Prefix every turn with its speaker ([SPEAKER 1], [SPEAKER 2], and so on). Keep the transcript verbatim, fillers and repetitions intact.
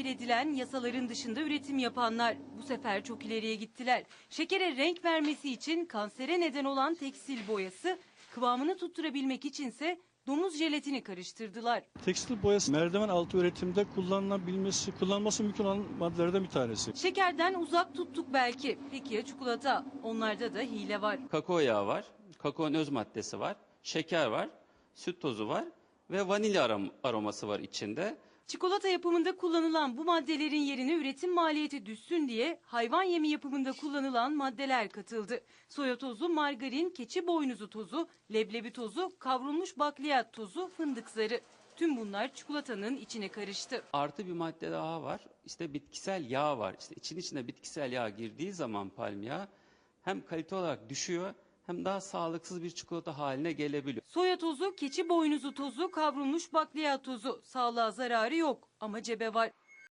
[SPEAKER 1] tabir edilen yasaların dışında üretim yapanlar bu sefer çok ileriye gittiler. Şekere renk vermesi için kansere neden olan tekstil boyası, kıvamını tutturabilmek içinse domuz jelatini karıştırdılar.
[SPEAKER 2] Tekstil boyası merdiven altı üretimde kullanılabilmesi, kullanılması mümkün olan maddelerden bir tanesi.
[SPEAKER 1] Şekerden uzak tuttuk belki. Peki ya çikolata? Onlarda da hile var.
[SPEAKER 3] Kakao yağı var, kakaonun öz maddesi var, şeker var, süt tozu var ve vanilya arom aroması var içinde.
[SPEAKER 1] Çikolata yapımında kullanılan bu maddelerin yerine üretim maliyeti düşsün diye hayvan yemi yapımında kullanılan maddeler katıldı. Soya tozu, margarin, keçi boynuzu tozu, leblebi tozu, kavrulmuş bakliyat tozu, fındık zarı. Tüm bunlar çikolatanın içine karıştı.
[SPEAKER 3] Artı bir madde daha var. İşte bitkisel yağ var. İşte için içine bitkisel yağ girdiği zaman palm yağı hem kalite olarak düşüyor hem daha sağlıksız bir çikolata haline gelebiliyor.
[SPEAKER 1] Soya tozu, keçi boynuzu tozu, kavrulmuş bakliyat tozu. Sağlığa zararı yok ama cebe var.